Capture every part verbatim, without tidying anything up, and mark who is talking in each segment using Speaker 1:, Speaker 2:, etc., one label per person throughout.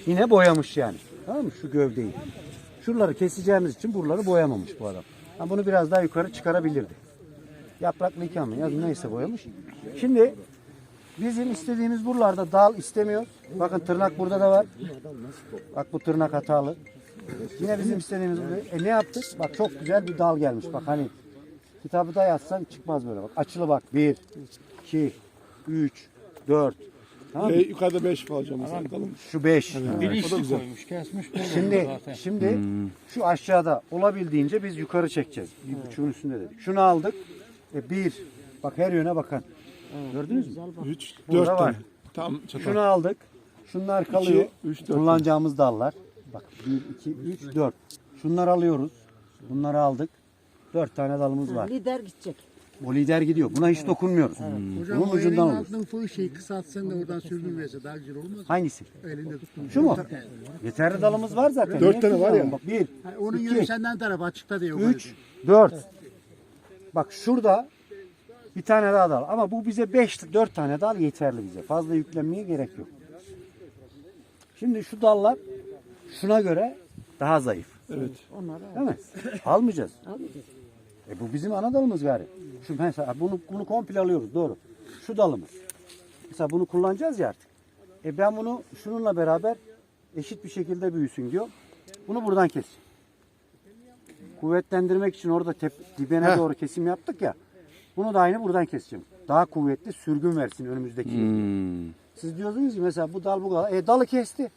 Speaker 1: yine boyamış yani. Tamam mı? Şu gövdeyi. Şuraları keseceğimiz için buraları boyamamış bu adam. Ha, bunu biraz daha yukarı çıkarabilirdi. Yapraklıyken mi? Ya neyse boyamış. Şimdi bizim istediğimiz buralarda dal istemiyor. Bakın tırnak burada da var. Bak bu tırnak hatalı. Yine bizim istediğimiz bu. E ne yaptık? Bak çok güzel bir dal gelmiş. Bak hani kitabı da yazsan çıkmaz böyle bak. Açılı bak. bir, iki, üç, dört. Tamam mı?
Speaker 2: Ve yukarıda beş alacağım mesela. Kalın.
Speaker 1: Şu beş.
Speaker 3: Bilinçli koymuş, kesmiş. böyle
Speaker 1: Şimdi
Speaker 3: zaten.
Speaker 1: şimdi şu aşağıda olabildiğince biz yukarı çekeceğiz. Bir buçuğun üstünde dedik. Şunu aldık. E bir. Bak her yöne bakan. Gördünüz mü?
Speaker 2: Üç,
Speaker 1: Burada
Speaker 2: dört
Speaker 1: var.
Speaker 2: tane. Tam çatal.
Speaker 1: Şunu aldık. Şunlar kalıyor.
Speaker 2: üç, dört.
Speaker 1: Kullanacağımız dallar. Bak bir, iki, üç, dört. Şunları alıyoruz. Bunları aldık. Dört tane dalımız var.
Speaker 4: Lider gidecek.
Speaker 1: O lider gidiyor. Buna hiç dokunmuyoruz.
Speaker 5: Hocam
Speaker 1: Bunun
Speaker 5: o elin
Speaker 1: ucundan olur.
Speaker 5: altından fığı şeyi kısaltsan da oradan sürdün verse daha güzel olmaz mı?
Speaker 1: Hangisi?
Speaker 5: Elinde tutun.
Speaker 1: Şu mu? Yeterli dalımız var zaten.
Speaker 2: Dört
Speaker 1: Niye
Speaker 2: tane var ya.
Speaker 1: kullanalım? Bak bir,
Speaker 5: Ha, onun
Speaker 1: iki,
Speaker 5: yönü senden tarafı açıkta diyor.
Speaker 1: üç, dört. Bak şurada bir tane daha dal. Ama bu bize beş, dört tane dal yeterli bize. Fazla yüklenmeye gerek yok. Şimdi şu dallar şuna göre daha zayıf.
Speaker 2: Evet.
Speaker 1: Değil mi? Almayacağız. E bu bizim ana dalımız gari. Şu mesela bunu bunu komple alıyoruz doğru. Şu dalımız. Mesela bunu kullanacağız ya artık. E ben bunu şununla beraber eşit bir şekilde büyüsün diyor. Bunu buradan kes. Kuvvetlendirmek için orada tep, dibine
Speaker 2: Heh.
Speaker 1: doğru kesim yaptık ya. Bunu da aynı buradan keseceğim. Daha kuvvetli sürgün versin önümüzdeki. Siz diyorsunuz ki mesela bu dal bu kadar. E dalı kesti.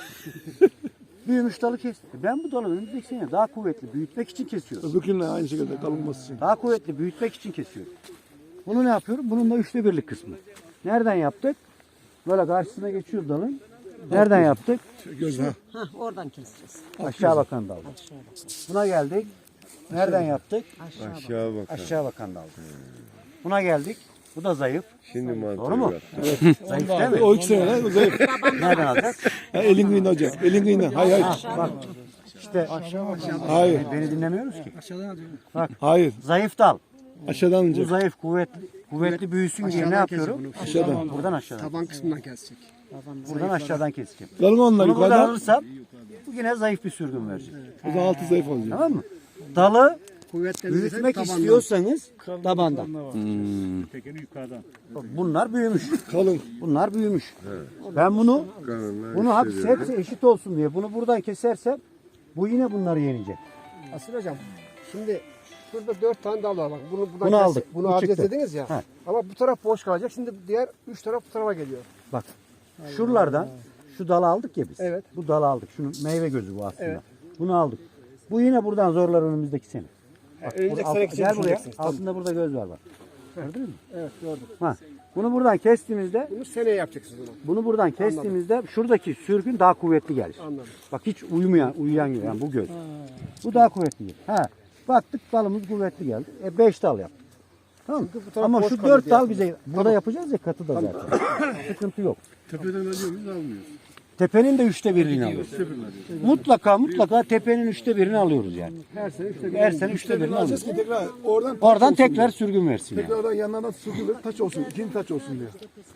Speaker 1: Büyümüş dalı kesti. E ben bu dalı önümüzdeki sene daha kuvvetli büyütmek için kesiyorum.
Speaker 2: Öbürkünle aynı şekilde kalınması için.
Speaker 1: Daha kuvvetli büyütmek için kesiyorum. Bunu ne yapıyorum? Bunun da üçte birlik kısmı. Nereden yaptık? Böyle karşısına geçiyor dalın. Nereden yaptık?
Speaker 2: Göz ha.
Speaker 4: Hah, oradan keseceğiz.
Speaker 1: Aşağı bakan dal. Buna geldik. Nereden yaptık?
Speaker 6: Aşağı bak.
Speaker 1: Aşağı bakan dal. Buna geldik. Bu da zayıf.
Speaker 6: Şimdi mantığı
Speaker 1: Doğru mu?
Speaker 6: var.
Speaker 1: Zayıf değil mi?
Speaker 2: O iki sene lan. Zayıf.
Speaker 1: Nereden alacağız?
Speaker 2: Ha, elin kıyına hocam. Elin kıyına. Hayır hayır.
Speaker 1: Bak işte
Speaker 2: Hayır.
Speaker 1: beni dinlemiyoruz ki.
Speaker 2: Hayır.
Speaker 1: Zayıf dal.
Speaker 2: Aşağıdan
Speaker 1: Bu
Speaker 2: alacak.
Speaker 1: zayıf kuvvetli kuvvetli büyüsün diye ne yapıyorum?
Speaker 2: Aşağıdan.
Speaker 1: Buradan aşağıdan.
Speaker 5: Taban kısmından kesecek.
Speaker 1: Buradan aşağıdan keseceğim.
Speaker 2: Kalın onlar
Speaker 1: Bunu buradan
Speaker 2: yukarıdan.
Speaker 1: alırsam bu yine zayıf bir sürgün verecek.
Speaker 2: O zaman altı zayıf olacak.
Speaker 1: Tamam mı? Dalı
Speaker 5: Kuvvetlendirirsen
Speaker 1: büyütmek
Speaker 5: tabandan.
Speaker 1: istiyorsanız tabandan.
Speaker 3: Tekeni yukarıdan.
Speaker 1: Bunlar büyümüş.
Speaker 2: Kalın.
Speaker 1: Bunlar büyümüş. Ben bunu
Speaker 6: Kanunlar
Speaker 1: bunu hapse
Speaker 6: hissediyor.
Speaker 1: hepsi eşit olsun diye bunu buradan kesersem bu yine bunları yenecek.
Speaker 7: Asil hocam şimdi şurada dört tane dal var bak. Bunu, buradan
Speaker 1: Bunu
Speaker 7: kes-
Speaker 1: aldık.
Speaker 7: Bunu
Speaker 1: Bu
Speaker 7: alacağız
Speaker 1: çıktı.
Speaker 7: dediniz ya.
Speaker 1: He.
Speaker 7: Ama bu taraf boş kalacak. Şimdi diğer üç taraf bu tarafa geliyor.
Speaker 1: Bak şuralardan şu dalı aldık ya biz.
Speaker 7: Evet.
Speaker 1: Bu dalı aldık. Şunun meyve gözü bu aslında.
Speaker 7: Evet.
Speaker 1: Bunu aldık. Bu yine buradan zorlar önümüzdeki sene. Bak,
Speaker 7: önümüzdeki
Speaker 1: bu-
Speaker 7: sene için
Speaker 1: gel buraya.
Speaker 7: düşüneceksiniz. Tamam.
Speaker 1: Altında burada göz var bak. Gördün mü?
Speaker 7: Evet gördüm.
Speaker 1: Ha. Bunu buradan kestiğimizde
Speaker 7: Bunu seneye yapacaksınız onu.
Speaker 1: bunu buradan kestiğimizde şuradaki sürgün daha kuvvetli gelir.
Speaker 7: Anladım.
Speaker 1: Bak hiç uyumayan, uyuyan gibi yani bu göz. Bu daha kuvvetli gelir. Ha. Baktık dalımız kuvvetli geldi. E beş dal yaptık. Tamam mı?
Speaker 7: bu taraf
Speaker 1: Ama
Speaker 7: boş
Speaker 1: şu
Speaker 7: kalıyor
Speaker 1: dört
Speaker 7: diye
Speaker 1: dal
Speaker 7: yaptım.
Speaker 1: bize burada yapacağız ya katı da zaten. Sıkıntı yok.
Speaker 2: Tepeden alıyor muyuz almıyoruz.
Speaker 1: Tepenin de üçte birini alıyoruz. Mutlaka mutlaka tepenin üçte birini alıyoruz yani.
Speaker 7: Her sene üçte bir.
Speaker 1: Her sene üçte birini
Speaker 2: Alacağız
Speaker 1: alıyoruz.
Speaker 2: ki tekrar oradan taç
Speaker 1: Oradan
Speaker 2: olsun
Speaker 1: tekrar
Speaker 2: diye.
Speaker 1: sürgün versin yani.
Speaker 2: Tekrardan yanlardan sürgülür taç olsun. İkinci taç olsun diye.